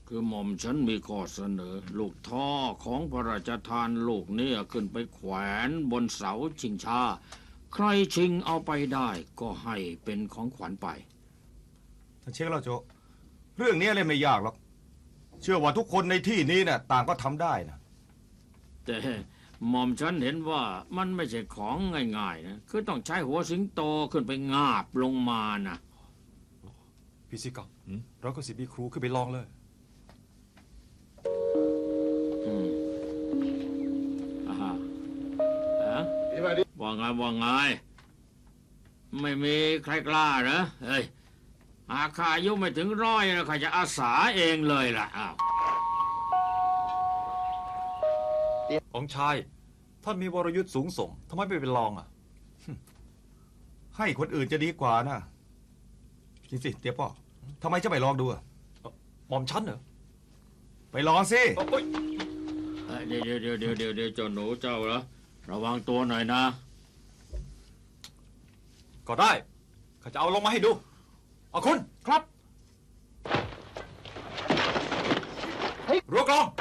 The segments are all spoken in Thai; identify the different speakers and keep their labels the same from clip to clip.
Speaker 1: คือหม่อมฉันมีข้อเสนอ ลูกท่อของพระราชทานลูกเนี่ยขึ้นไปแขวนบนเสาชิงช้าใครชิงเอาไปได้ก็ให้เป็นของขวัญไป
Speaker 2: ท่านเช็คแล้วโจเรื่องนี้เลยไม่ยากหรอกเชื่อว่าทุกคนในที่นี้เนี่ยต่างก็ทำได้นะ
Speaker 1: แต่หม่อมฉันเห็นว่ามันไม่ใช่ของง่ายๆนะคือต้องใช้หัวสิงโตขึ้นไปงาบลงมานะ
Speaker 3: พี่ซิกะเราก็สิบีครูขึ้นไปลองเลย
Speaker 1: ว่าไงไม่มีใครกล้าเหรอเฮ้ยอาคาอายุไม่ถึง100นะข้าจะอาสาเองเลยล่ะอ้าว
Speaker 3: องค์ชายท่านมีวรยุทธ์สูงส่งทำไมไม่ไปลองอ่ะ
Speaker 2: ให้คนอื่นจะดีกว่านะจริงสิเตี้ยป้อทำไมจะไม่ลองดูอ่ะ
Speaker 3: หม่อมฉันเหรอ
Speaker 2: ไปลองสิ
Speaker 1: เดี๋ยวเจ้าหนูเจ้าเหรอระวังตัวหน่อยนะ
Speaker 3: ก็ได้ข้าจะเอาลงมาให้ดูเอาคุณครับรัวกลอง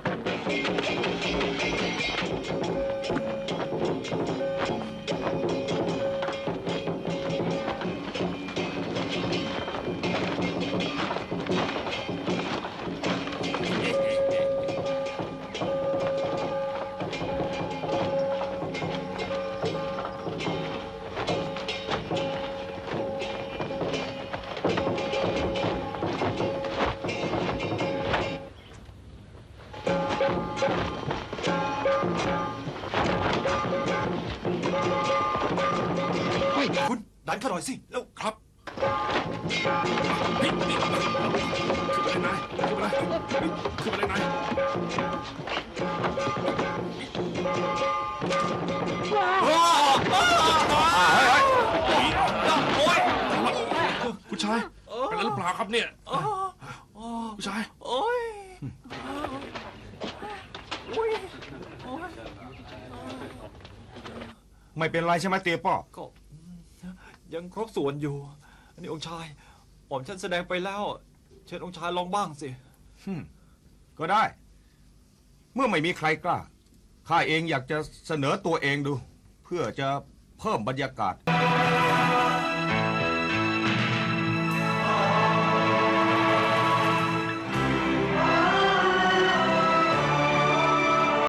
Speaker 3: คุณดันข้าหน่อยสิแล้วครับขึ้นไปเลยนายขึ้นไปเลยนาย
Speaker 4: ผู้ชายเป็นอะไรหรือเปล่าครับเนี่ยผู้ชาย
Speaker 2: ไม่เป็นไรใช่ไหมเตี้ยป้อ
Speaker 3: ก็ยังครบส่วนอยู่อันนี้องค์ชายหม่อมฉันแสดงไปแล้วเชิญองค์ชายลองบ้างสิ
Speaker 2: ก็ได้เมื่อไม่มีใครกล้าข้าเองอยากจะเสนอตัวเองดูเพื่อจะเพิ่มบรรยากาศ